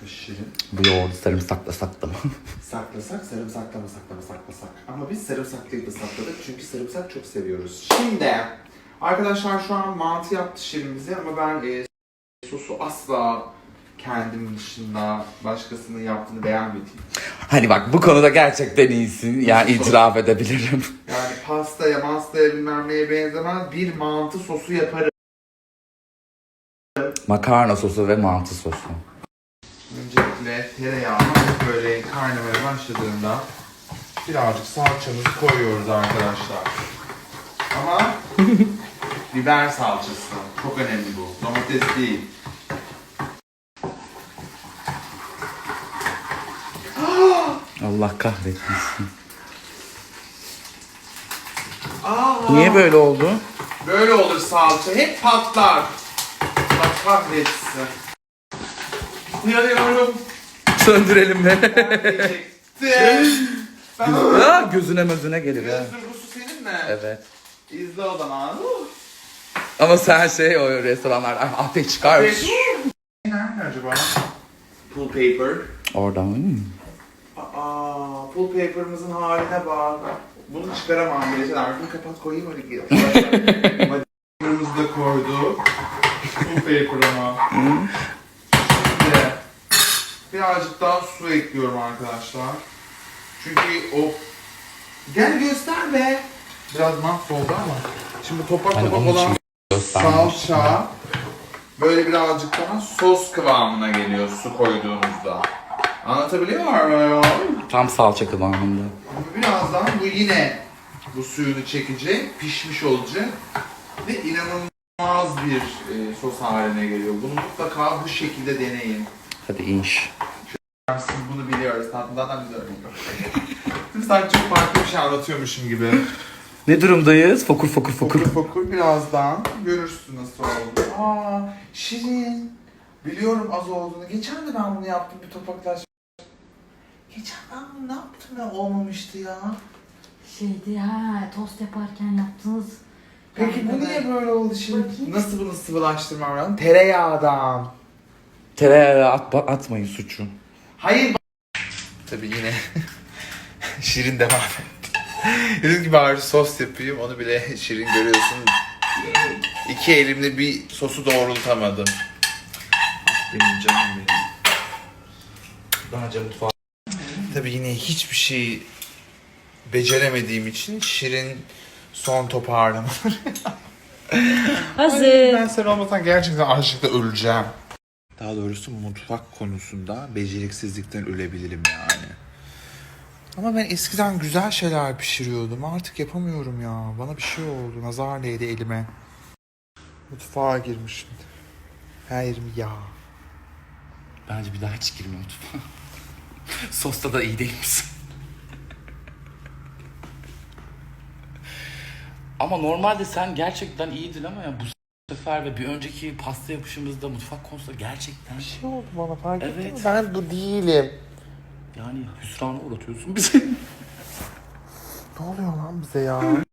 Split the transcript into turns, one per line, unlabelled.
Şirin.
Bu yoğurdu sarımsaklasak da mı?
Saklasak, saklasak. Ama biz sarımsaklıyı da sakladık çünkü sarımsak çok seviyoruz. Şimdi arkadaşlar şu an mantı yaptı Şirin bize ama ben sosu asla kendim dışında başkasının yaptığını beğenmedim.
Hani bak bu konuda gerçekten iyisin. Yani itiraf edebilirim.
Yani pastaya bilmem neye benzemez bir mantı sosu yaparım.
Makarna sosu ve mantı sosu.
Öncelikle tereyağını böyle kaynamaya başladığında birazcık salçamızı koyuyoruz arkadaşlar. Ama biber salçası. Çok önemli bu. Domates değil.
Allah kahretmesin.
Niye
Böyle oldu?
böyle olur salça? Hep patlar. Allah kahretsin. Yanıyorum.
Söndürelim mi?
Ben
Gözüne mözüne gelir ha.
bu su senin mi?
Evet.
İzle o zaman.
Ama sen o restoranlarda ateş çıkar.
Nerede acaba? Pull paper.
Oradan.
Pull paper'ımızın haline bak. Bunu çıkaramam bile. Arkını kapat koyayım öyle gel. Paper'ımızı da koyduk. Pull paper ama. Şimdi birazcık daha su ekliyorum arkadaşlar. Çünkü o... Gel göster be. Biraz mahvoldu ama. Şimdi topak
Hani
topak
onun için
olan salça böyle birazcık daha sos kıvamına geliyor su koyduğunuzda. Anlatabiliyor muyum?
Tam salça kıvamında.
Birazdan bu yine bu suyunu çekecek, pişmiş olacak ve inanılmaz bir sos haline geliyor. Bunu mutlaka bu şekilde deneyin.
Hadi inş.
Siz bunu biliyoruz. Zaten biz öğreniyor. Sanki çok farklı bir şey anlatıyormuşum gibi.
Ne durumdayız? Fokur fokur fokur.
Fokur birazdan görürsün nasıl oldu. Şirin. Biliyorum az olduğunu. Geçen de ben bunu yaptım bir topaklaş. Geçen ben bunu ne yaptım ya olmamıştı ya.
Tost yaparken yaptığınız...
Peki bu niye böyle oldu şimdi?
Bakayım.
Nasıl bunu sıvılaştırmam lazım? Tereyağdan.
Tereyağı atmayın suçu.
Hayır. Tabii yine Şirin devam etti. Dedim ki bari sos yapayım, onu bile Şirin görüyorsun. İki elimle bir sosu doğrultamadım. Benim canım benim.
Daha önce mutfağa.
Tabii yine hiçbir şey beceremediğim için Şirin son toparlamaları.
Hazır.
Ben sen olmasan gerçekten açlıkta öleceğim. Daha doğrusu mutfak konusunda beceriksizlikten ölebilirim yani. Ama ben eskiden güzel şeyler pişiriyordum. Artık yapamıyorum ya. Bana bir şey oldu. Nazar değdi elime. Mutfağa girmişim. Her yerim yağ.
Bence bir daha hiç girme mutfağa. Sosta da iyi değil misin? Ama normalde sen gerçekten iyiydin ama ya bu sefer ve bir önceki pasta yapışımızda mutfak konusunda gerçekten...
Bir şey oldu bana fark ettin
Evet.
mi? Ben bu değilim.
Yani hüsrana uğratıyorsun bizi.
Ne oluyor lan bize ya?